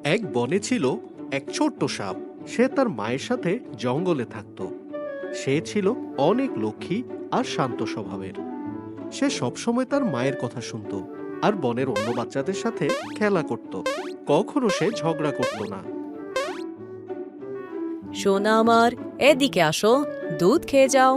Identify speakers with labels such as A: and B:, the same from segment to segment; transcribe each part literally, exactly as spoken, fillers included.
A: এক বনে ছিল এক ছোট্ট সাপ। সে তার মায়ের সাথে জঙ্গলে থাকত। সে ছিল অনেক লক্ষ্মী আর শান্ত স্বভাবের। সে সবসময় তার মায়ের কথা শুনত আর বনের অন্য বাচ্চাদের সাথে খেলা করত। কখনো সে ঝগড়া করত না।
B: সোনা আমার, এদিকে আসো, দুধ খেয়ে যাও।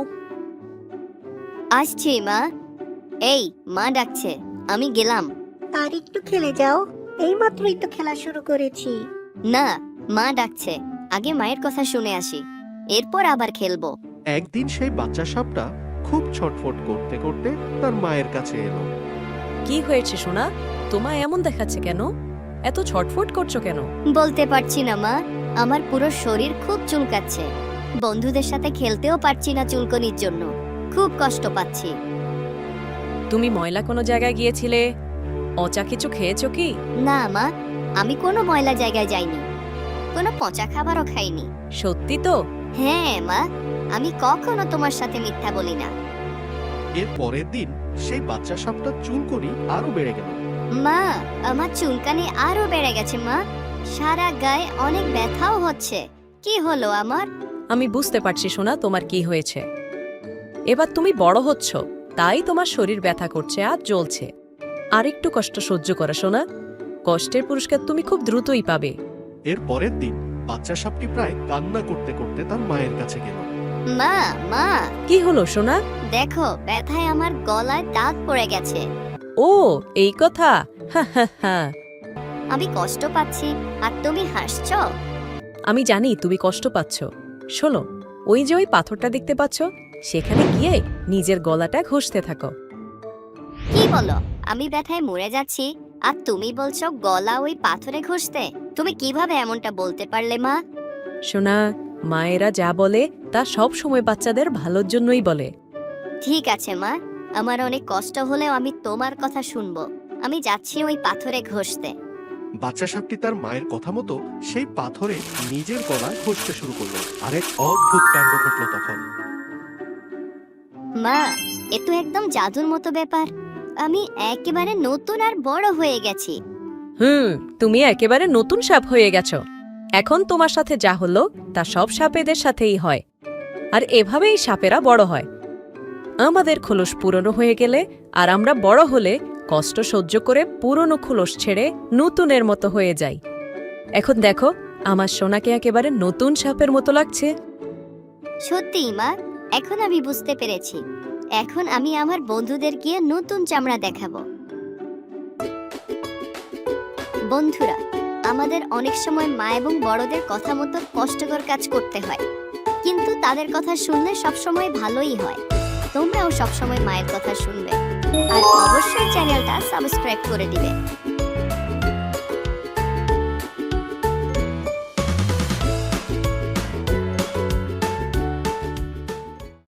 C: আসছি মা। এই মা ডাকছে, আমি গেলাম।
D: আর একটু খেলে যাও, এই মাত্রই তো খেলা শুরু করেছি।
C: না, মা ডাকছে, আগে মায়ের কথা শুনে আসি, এরপর আবার খেলবো।
A: একদিন সেই বাচ্চা সাপটা খুব ছটফট করতে করতে তার মায়ের কাছে এলো।
B: কি হয়েছে সোনা? তোমায় এমন দেখাচ্ছে কেন? এত ছটফট করছো কেন?
C: বলতে পারছি না মা, আমার পুরো শরীর খুব চুলকাচ্ছে। বন্ধুদের সাথে খেলতেও পারছি না চুলকনির জন্য, খুব কষ্ট পাচ্ছি।
B: তুমি ময়লা কোনো জায়গায় গিয়েছিলে? অচা কিছু খেয়েছো কি?
C: না মা, আমি কোনো ময়লা জায়গায় যাইনি, কোনো পচা খাবারও খাইনি।
B: সত্যি তো?
C: হ্যাঁ মা, আমি কখনো তোমার সাথে মিথ্যা বলি না।
A: এর পরের দিন সেই বাচ্চা সাপটা চুলকনি আরো বেড়ে গেল।
C: মা, আমার চুলকানি আরো বেড়ে গেছে মা, সারা গায়ে অনেক ব্যথাও হচ্ছে। কি হলো আমার?
B: আমি বুঝতে পারছি সোনা তোমার কি হয়েছে। এবার তুমি বড় হচ্ছ, তাই তোমার শরীর ব্যথা করছে আর জ্বলছে। আর একটু কষ্ট সহ্য করো সোনা, কষ্টের পুরস্কার তুমি খুব দ্রুতই পাবে।
A: এর পরের দিন বাচ্চা সাপটি প্রায় কান্না করতে করতে তার মায়ের কাছে গেল।
C: মা, মা,
B: কি হলো সোনা?
C: দেখো ব্যথায় আমার গলায় দাগ পড়ে গেছে।
B: ও, এই কথা। হা হা হা।
C: আমি কষ্ট পাচ্ছি আর তুমি হাসছো।
B: আমি জানি তুমি কষ্ট পাচ্ছ। শোনো, ওই যে ওই পাথরটা দেখতে পাচ্ছ, সেখানে গিয়ে নিজের গলাটা ঘষতে থাকো।
C: কি বলো? আমি ব্যথায় মরে যাচ্ছি আর তুমি বলছো গলা ওই পাথরে ঘষতে? তুমি কিভাবে এমনটা বলতে পারলে মা?
B: সোনা, মায়েরা যা বলে তা সব সময় বাচ্চাদের ভালোর জন্যই বলে।
C: ঠিক আছে মা, আমার অনেক কষ্ট হলেও আমি তোমার কথা শুনবো। আমি যাচ্ছি ওই পাথরে ঘষতে।
A: বাচ্চা সাপটি তার মায়ের কথা মতো সেই পাথরে নিজের গলা ঘষতে শুরু করলো। আর এক অদ্ভুত কাণ্ড ঘটলো তখন।
C: মা, এ তো একদম জাদুর মতো ব্যাপার। আমি একেবারে নতুন আর বড় হয়ে গেছি।
B: হুম, তুমি একেবারে নতুন সাপ হয়ে গেছো। এখন তোমার সাথে যা হলো তা সব সাপেদের সাথেই হয়। আর এভাবেই সাপেরা বড় হয়। আমাদের খোলস পুরনো হয়ে গেলে আর আমরা বড় হলে কষ্ট সহ্য করে পুরনো খোলস ছেড়ে নতুনের মতো হয়ে যাই। এখন দেখো, আমার সোনাকে একেবারে নতুন সাপের মতো লাগছে।
C: সত্যিই মা, এখন আমি বুঝতে পেরেছি। এখন আমি আমার বন্ধুদের গিয়ে নতুন চামড়া দেখাবো। বন্ধুরা, আমাদের অনেক সময় মা এবং বড়দের কথা মতো কষ্টকর কাজ করতে হয়, কিন্তু তাদের কথা শুনলে সবসময় ভালোই হয়। তোমরাও সবসময় মায়ের কথা শুনবে আর অবশ্যই চ্যানেলটা সাবস্ক্রাইব করে দিবে।